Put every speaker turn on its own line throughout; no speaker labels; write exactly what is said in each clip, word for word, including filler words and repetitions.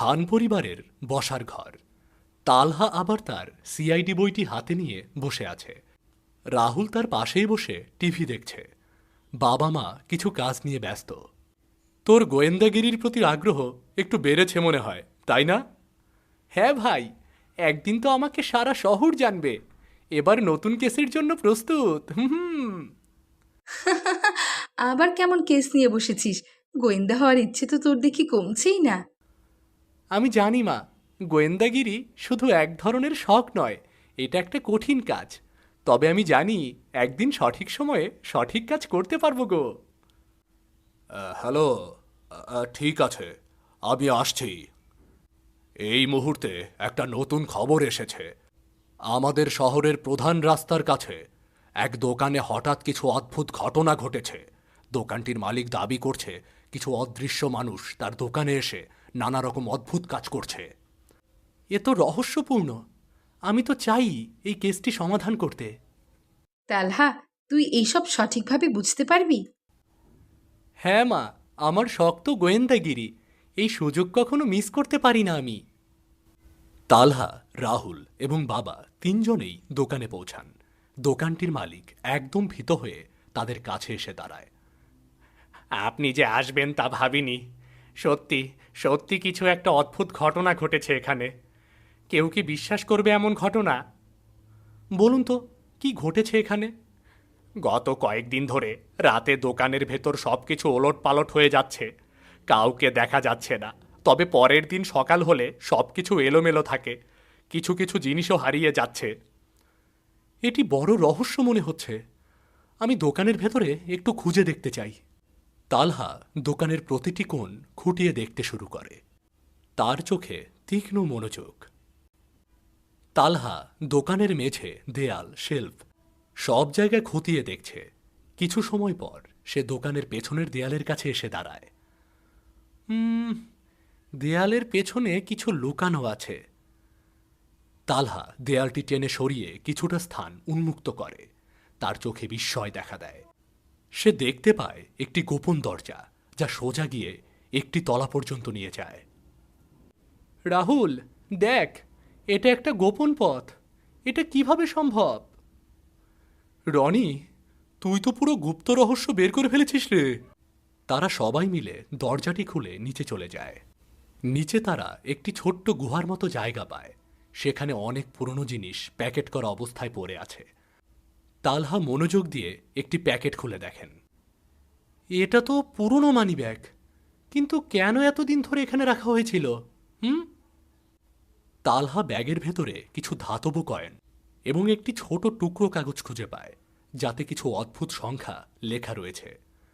খান পরিবারের বসার ঘর। তালহা আবার তার সিআইডি বইটি হাতে নিয়ে বসে আছে। রাহুল তার পাশেই বসে টিভি দেখছে। বাবা মা কিছু কাজ নিয়ে ব্যস্ত। তোর গোয়েন্দাগিরির প্রতি আগ্রহ একটু বেড়েছে মনে হয়, তাই না? হ্যাঁ ভাই, একদিন তো আমাকে সারা শহর জানবে। এবার নতুন কেসের জন্য প্রস্তুত। হুম।
আবার কেমন কেস নিয়ে বসেছিস? গোয়েন্দা হওয়ার ইচ্ছে তো তোর দেখি কমছেই না।
আমি জানি মা, গোয়েন্দাগিরি শুধু এক ধরনের শখ নয়, এটা একটা কঠিন কাজ। তবে আমি জানি একদিন সঠিক সময়ে সঠিক কাজ করতে পারবো গো। হ্যালো, ঠিক আছে, আমি আসছি। এই মুহূর্তে একটা নতুন খবর এসেছে। আমাদের শহরের প্রধান রাস্তার কাছে এক দোকানে হঠাৎ কিছু অদ্ভুত ঘটনা ঘটেছে। দোকানটির মালিক দাবি করছে কিছু অদৃশ্য মানুষ তার দোকানে এসে নানা রকম অদ্ভুত কাজ করছে। এ তো রহস্যপূর্ণ। আমি তো চাই এই কেসটি সমাধান করতে।
তালহা, তুই এইসব সঠিকভাবে বুঝতে পারবি?
হ্যাঁ মা, আমার শখ তো গোয়েন্দাগিরি। এই সুযোগ কখনো মিস করতে পারি না আমি। তালহা, রাহুল এবং বাবা তিনজনেই দোকানে পৌঁছান। দোকানটির মালিক একদম ভীত হয়ে তাদের কাছে এসে দাঁড়ায়। আপনি যে আসবেন তা ভাবিনি। সত্যি সত্যি কিছু একটা অদ্ভুত ঘটনা ঘটেছে এখানে। কেউ কি বিশ্বাস করবে এমন ঘটনা? বলুন তো, কি ঘটেছে এখানে? গত কয়েকদিন ধরে রাতে দোকানের ভেতর সব কিছু ওলট পালট হয়ে যাচ্ছে। কাউকে দেখা যাচ্ছে না। তবে পরের দিন সকাল হলে সব কিছু এলোমেলো থাকে। কিছু কিছু জিনিসও হারিয়ে যাচ্ছে। এটি বড় রহস্য মনে হচ্ছে। আমি দোকানের ভেতরে একটু খুঁজে দেখতে চাই। তালহা দোকানের প্রতিটি কোণ খুঁটিয়ে দেখতে শুরু করে। তার চোখে তীক্ষ্ণ মনোযোগ। তালহা দোকানের মেঝে, দেয়াল, শেলফ সব জায়গায় খতিয়ে দেখছে। কিছু সময় পর সে দোকানের পেছনের দেয়ালের কাছে এসে দাঁড়ায়। হুম, দেয়ালের পেছনে কিছু লুকানো আছে। তালহা দেয়ালটি টেনে সরিয়ে কিছুটা স্থান উন্মুক্ত করে। তার চোখে বিস্ময় দেখা দেয়। সে দেখতে পায় একটি গোপন দরজা, যা সোজা গিয়ে একটি তলা পর্যন্ত নিয়ে যায়। রাহুল, দেখ, এটা একটা গোপন পথ। এটা কিভাবে সম্ভব? রনি, তুই তো পুরো গুপ্ত রহস্য বের করে ফেলেছিস রে। তারা সবাই মিলে দরজাটি খুলে নিচে চলে যায়। নিচে তারা একটি ছোট্ট গুহার মতো জায়গা পায়। সেখানে অনেক পুরনো জিনিস প্যাকেট করা অবস্থায় পড়ে আছে। তালহা মনোযোগ দিয়ে একটি প্যাকেট খুলে দেখেন। এটা তো পুরনো মানি ব্যাগ, কিন্তু কেন এতদিন ধরে এখানে রাখা হয়েছিল? হুম। তালহা ব্যাগের ভেতরে কিছু ধাতব কয়েন এবং একটি ছোট টুকরো কাগজ খুঁজে পায়, যাতে কিছু অদ্ভুত সংখ্যা লেখা রয়েছে।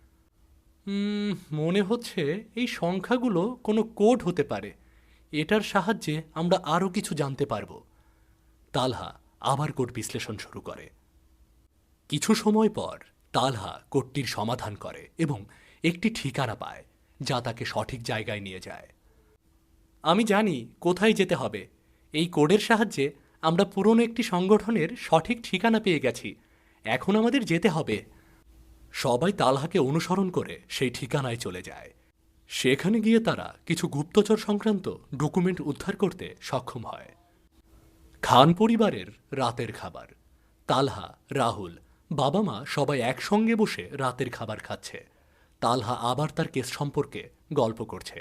হুম, মনে হচ্ছে এই সংখ্যাগুলো কোনো কোড হতে পারে। এটার সাহায্যে আমরা আরও কিছু জানতে পারব। তালহা আবার কোড বিশ্লেষণ শুরু করে। কিছু সময় পর তালহা কোডটির সমাধান করে এবং একটি ঠিকানা পায়, যা তাকে সঠিক জায়গায় নিয়ে যায়। আমি জানি কোথায় যেতে হবে। এই কোডের সাহায্যে আমরা পুরনো একটি সংগঠনের সঠিক ঠিকানা পেয়ে গেছি। এখন আমাদের যেতে হবে। সবাই তালহাকে অনুসরণ করে সেই ঠিকানায় চলে যায়। সেখানে গিয়ে তারা কিছু গুপ্তচর সংক্রান্ত ডকুমেন্ট উদ্ধার করতে সক্ষম হয়। খান পরিবারের রাতের খাবার। তালহা, রাহুল, বাবা মা সবাই একসঙ্গে বসে রাতের খাবার খাচ্ছে। তালহা আবার তার কেস সম্পর্কে গল্প করছে।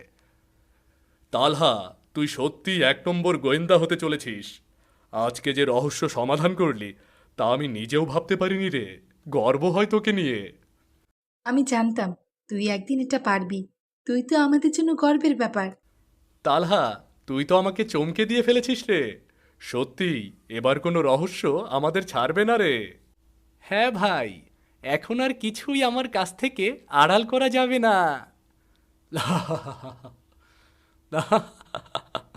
তালহা, তুই সত্যি এক নম্বর গোয়েন্দা হতে চলেছিস। আজকে যে রহস্য সমাধান করলি, তা আমি নিজেও ভাবতে পারিনি রে। গর্ব হয় তোকে নিয়ে।
আমি জানতাম তুই একদিন এটা পারবি। তুই তো আমাদের জন্য গর্বের ব্যাপার।
তালহা, তুই তো আমাকে চমকে দিয়ে ফেলেছিস রে। সত্যি, এবার কোনো রহস্য আমাদের ছাড়বে না রে। হ্যাঁ ভাই, এখন আর কিছুই আমার কাছ থেকে আড়াল করা যাবে না।